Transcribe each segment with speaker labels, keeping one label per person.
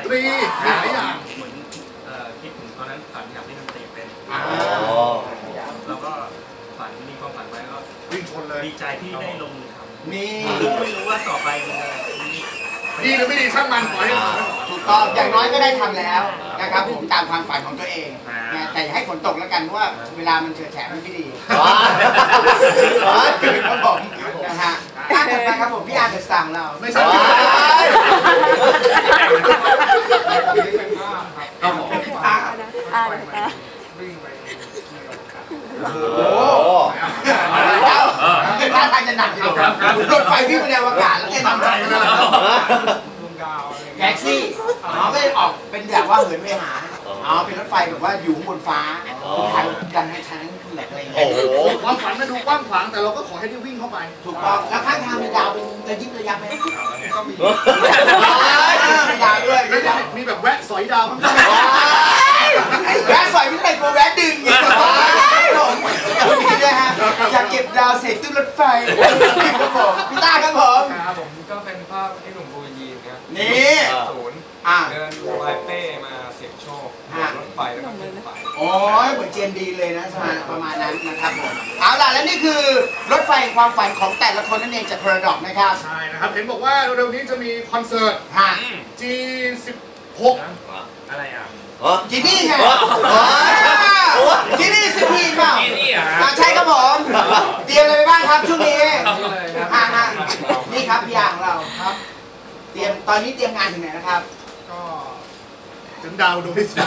Speaker 1: ตรีหลายอย่าง
Speaker 2: เหมือนคิดถึงตอนนั้นฝันอยากเล่นดนตรีเป็นแล้วก็ฝันมีความฝันไว้ก็
Speaker 1: วิ่งชนเลย
Speaker 2: ดีใจที่ได้ลงมือทำ
Speaker 3: นี่
Speaker 2: ไม่รู้ว่าต่อไปมันจะ
Speaker 1: ดีหรือไม่ดีช่างมันขอให้
Speaker 3: ถูกต้องอย่างน้อยก็ได้ทำแล้วนะครับผมตามความฝันของตัวเองแต่อย่าให้ฝนตกแล้วกันเพราะว่าเวลามันเฉื่อยแฉะมันไม่ดีครับผมนะฮะถัดไปครับผมพี่อาร์ตสตาร์ของเรา
Speaker 1: ไม่ใช่
Speaker 3: ครับผมโอ้โหท่าทางจะหนักอยู่รถไฟวิ่งไปในอวกาศแล้วแกทำอะไรแท็กซี่ไม่ออกเป็นแบบว่าเหินไปหาเป็นรถไฟแบบว่าอยู่บนฟ้าทางกันให้ทางแหลกอะไรอย่างเงี้ย
Speaker 1: ความฝันมันดูกว้างขวางแต่เราก็ขอให้ได้วิ่งเข้าไป
Speaker 3: ถูกต้องแล้วข้างทางมีดาวเป็นระยิบระยับไหมก็มีดาวด้วย
Speaker 1: มีแบบแวะสอยดาวข้างหน้า
Speaker 3: แวะสอยไม่ได้กลัวแวะดึงอย่างนี้ด้วยฮะอยากเก็บดาวเศษตู้รถไฟครับผมพี่ต้าครับผม
Speaker 4: ครับผมก็เป็นภาพไอ้หนุ่มบูยีนครับ
Speaker 3: นี่
Speaker 4: เดินสบายเป้มาเสี่ยงโชครถไฟแล้วก็ขึ้นไป
Speaker 3: โอ้ยเหมือนเจนดีเลยนะประมาณนั้นนะครับผมเอาล่ะและนี่คือรถไฟความฝันของแต่ละคนนั่นเองจาก Paradox นะครับ
Speaker 1: ใช่นะครับเห็นบอกว่าเร็วๆนี้จะมีคอนเสิร์ต G16
Speaker 2: อะไรอ่ะ
Speaker 3: จีนี่ไงจีนี่สิพีเปล่าใช่ครับผมเตรียมอะไรไปบ้างครับช่วงนี้นี่ครับพี่อย่างเราครับเตรียมตอนนี้เตรียมงานถึงไหนนะครับ
Speaker 1: ก็ถึงดาวดวงที่3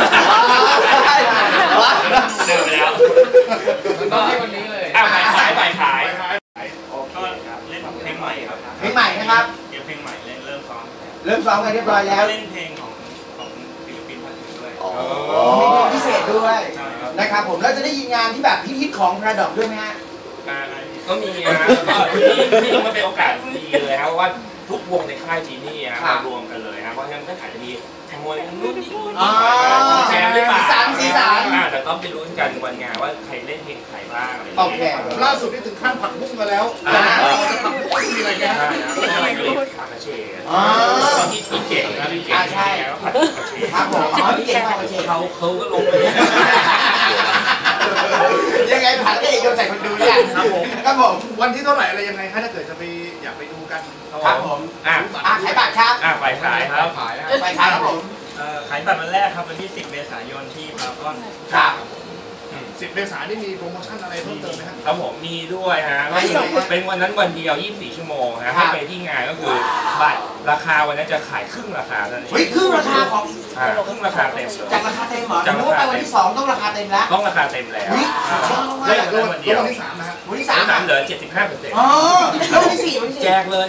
Speaker 2: เดินไปแล้ว
Speaker 4: ก็ที่วันนี้เลย
Speaker 2: ขายก็เล่นเพลงใหม่ครับ
Speaker 3: เพลงใหม่นะครับ
Speaker 2: เดี๋ยวเพลงใหม่เริ่มซ้อ
Speaker 3: มกันเรียบร้อยแล้ว
Speaker 2: เล่นเพลงของศิลปินท่านอื่นด้วย
Speaker 3: มีเพลงพิเศษด้วยนะครับผมแล้วจะได้ยินงานที่แบบฮิตของ Paradox ด้วยไหมฮะ
Speaker 2: ก็มีนะนี่มันเป็นโอกาสดีเลยครับว่าทุกวงในค่ายจีนี่มารวมกันเลยนะเพราะฉะนั้นก็อาจจะมีแข่งมวยนู่นนี่
Speaker 3: แชร์หรือเปล่าสีสัน
Speaker 2: แต่ต้องไปลุ้นกันวันงานว่าใครเล่นเพลงใครบ้างอะไร
Speaker 3: โอเค
Speaker 1: ล่าสุดนี่ถึงขั้นผักบุ้งมาแล้วจะผักบุ้งมีอะไรกัน
Speaker 2: อะไรก็เล่นคาราเช่ที่เก่งนะที่เก่ง
Speaker 3: ใช่ครับผมพี่เก่งคาราเช่
Speaker 2: เขาก็ลงไป
Speaker 3: ยังไงผัดก็เอกโยนใส่คนดูเนี่ยครับผม
Speaker 1: วันที่เท่าไหร่อะไรยังไงถ้าเกิดจะไปอยากไปดูกัน
Speaker 3: ครับผมขายบัตรครับ
Speaker 2: ฝ่ายขายครับ
Speaker 3: ฝ่ายขายครับผม
Speaker 2: ขายบัตรวันแรกครับวันที่10 เมษายนที่พารากอน
Speaker 3: ครับ
Speaker 1: 10 เมษายนนี่มีโปรโมชั่นอะไรเพิ่มเติมไหมครับ
Speaker 2: ครับผมมีด้วยฮะเป็นวันนั้นวันเดียว24 ชั่วโมงฮะให้ไปที่งานก็คือบัตรราคาวันนั้นจะขายครึ่งราคาเท่านั้น
Speaker 3: ครึ่งราคาของ
Speaker 2: ครึ่งราคาเต็ม
Speaker 3: จากราคาเต็มเหรอจากว่าไปวันที่2ต้องราคาเต็มแล้ว
Speaker 2: ต้องราคาเต็มแล้ว
Speaker 1: ได้วันเดียววันที่3นะฮะ
Speaker 3: วันที่
Speaker 2: 3เหลือ 75%
Speaker 3: อ๋อแล้ววันที่4
Speaker 2: แจกเลย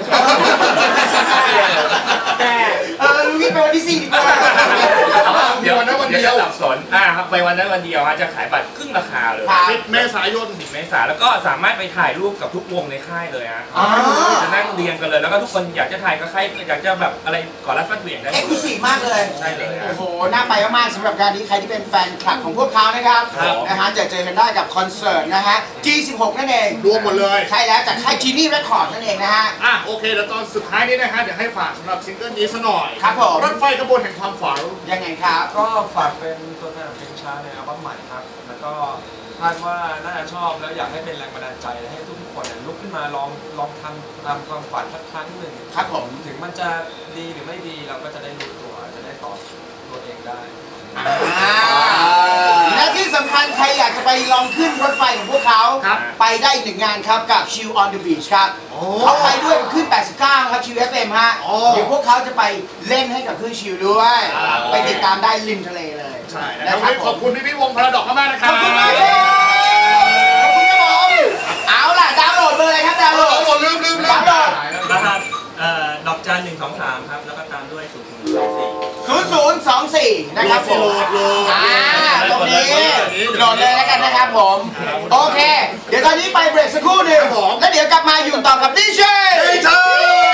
Speaker 3: ลุงนี่ไปวันที่4ดีกว่า
Speaker 1: เดี๋ยววันนั้นวันเดียว
Speaker 2: สับสนครับไปวันนั้นวันเดียวฮะจะขายบัตรครึ่งราคาเลย
Speaker 1: 10 เมษายน
Speaker 2: แล้วก็สามารถไปถ่ายรูปกับทุกวงในค่ายเลยฮะจะนั่งเรียงกันเลยแล้วก็ทุกคนอยากจะถ่ายก็ใครอยากจะแบบอะไรก่อนรับฟัดเหวี่ยงได้
Speaker 3: เอ็กซ์คลูซีฟมากเลย
Speaker 2: ใช่เลย
Speaker 3: โอ้โหน่าไปมากๆสำหรับการนี้ใครที่เป็นแฟนคลับของพวกเขานะครับนะฮะจะเจอกันได้กับคอนเสิร์ตนะฮะ G16 นั่นเอง
Speaker 1: รวมหมดเลย
Speaker 3: ใช่แล้วจากค่าย Genie Records นั่นเองนะฮะ
Speaker 1: โอเคแล้วตอนสุดท้ายนี้นะฮะเดี๋ยวให้ฝากสำหรับซิงเกิลนี้ซะหน่อย
Speaker 3: ครับผม
Speaker 1: รถไฟขบวนแห่งความฝัน
Speaker 3: ยังไงครับ
Speaker 4: ก็ฝากเป็นตัวแทนเพลงช้าในอัลบั้มใหม่ครับแล้วก็คาดว่าน่าจะชอบแล้วอยากให้เป็นแรงบันดาลใจให้ทุกคนลุกขึ้นมาลองทำตามความฝันสักครั้งหนึ่ง
Speaker 3: ครับผม
Speaker 4: ถึงมันจะดีหรือไม่ดีเราก็จะได้รู้ตัวจะได้ตอบตัวเองได้
Speaker 3: และที่สำคัญใครอยากจะไปลองขึ้นรถไฟของพวกเขาไปได้อีก1 งานครับกับ Chill on the Beach ครับเขาไปด้วยขึ้น89ครับ Chill FM ฮะเดี๋ยวพวกเขาจะไปเล่นให้กับคลื่นชิลด้วยไปติดตามได้ริมทะเลเลย
Speaker 1: ใช่นะครับขอบคุณพี่วงParadoxมากนะครับ
Speaker 3: ขอบคุณมากครับขอบคุณครับผมเอาล่ะดาวน์โหลดเลยครับดาวน์โหลด
Speaker 1: ลืม
Speaker 3: ดาวน์โหลด
Speaker 2: นะครับดอกจัน123ครับแล้วก็ตามด้วย
Speaker 3: 0024นะครับผมตรงนี้โหลดเลยแล้วกันนะครับผมโอเคเดี๋ยวตอนนี้ไปเบรกสักครู่หนึ่งแล้วเดี๋ยวกลับมาอยู่ต่อกับดีเจ